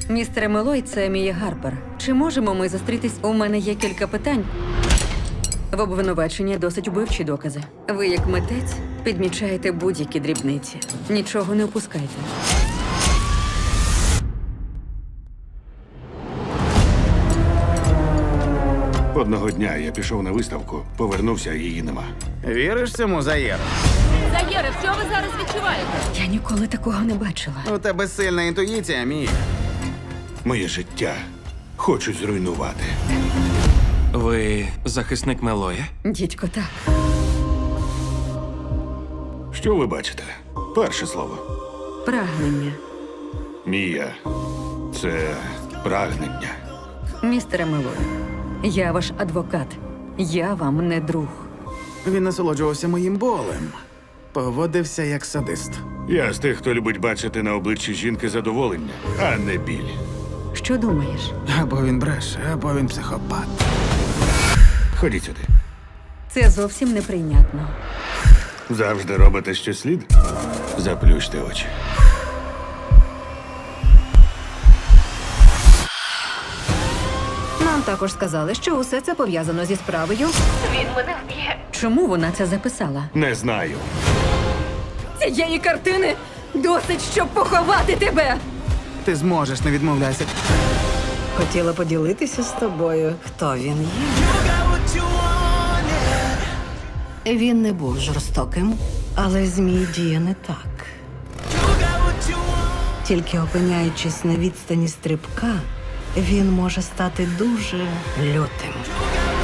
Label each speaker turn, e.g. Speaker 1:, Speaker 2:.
Speaker 1: Містере Мелой, це Мія Гарпер. Чи можемо ми зустрітись? У мене є кілька питань. В обвинуваченні досить вбивчі докази. Ви, як митець, підмічаєте будь-які дрібниці. Нічого не опускайте.
Speaker 2: Одного дня я пішов на виставку, повернувся, а її нема.
Speaker 3: Віриш цьому, Заєр?
Speaker 4: Заєре, що ви зараз відчуваєте?
Speaker 1: Я ніколи такого не бачила.
Speaker 3: У тебе сильна інтуїція, Мія.
Speaker 2: Моє життя хочуть зруйнувати.
Speaker 5: Ви захисник Мелоя?
Speaker 1: Дідько, так.
Speaker 2: Що ви бачите? Перше слово.
Speaker 1: Прагнення.
Speaker 2: Мія. Це прагнення.
Speaker 1: Містере Мелой, я ваш адвокат. Я вам не друг.
Speaker 3: Він насолоджувався моїм болем. Поводився як садист.
Speaker 2: Я з тих, хто любить бачити на обличчі жінки задоволення, а не біль.
Speaker 1: Що думаєш?
Speaker 3: Або він бреше, або він психопат.
Speaker 2: Ходіть сюди.
Speaker 1: Це зовсім неприйнятно.
Speaker 2: Завжди робите, що слід? Заплющте очі.
Speaker 6: Нам також сказали, що усе це пов'язано зі справою.
Speaker 1: Чому вона це записала?
Speaker 2: Не знаю.
Speaker 1: Цієї картини досить, щоб поховати тебе!
Speaker 3: Ти зможеш, не відмовляйся.
Speaker 6: Хотіла поділитися з тобою, хто він є. Він не був жорстоким, але змій діє не так. Тільки опиняючись на відстані стрибка, він може стати дуже лютим.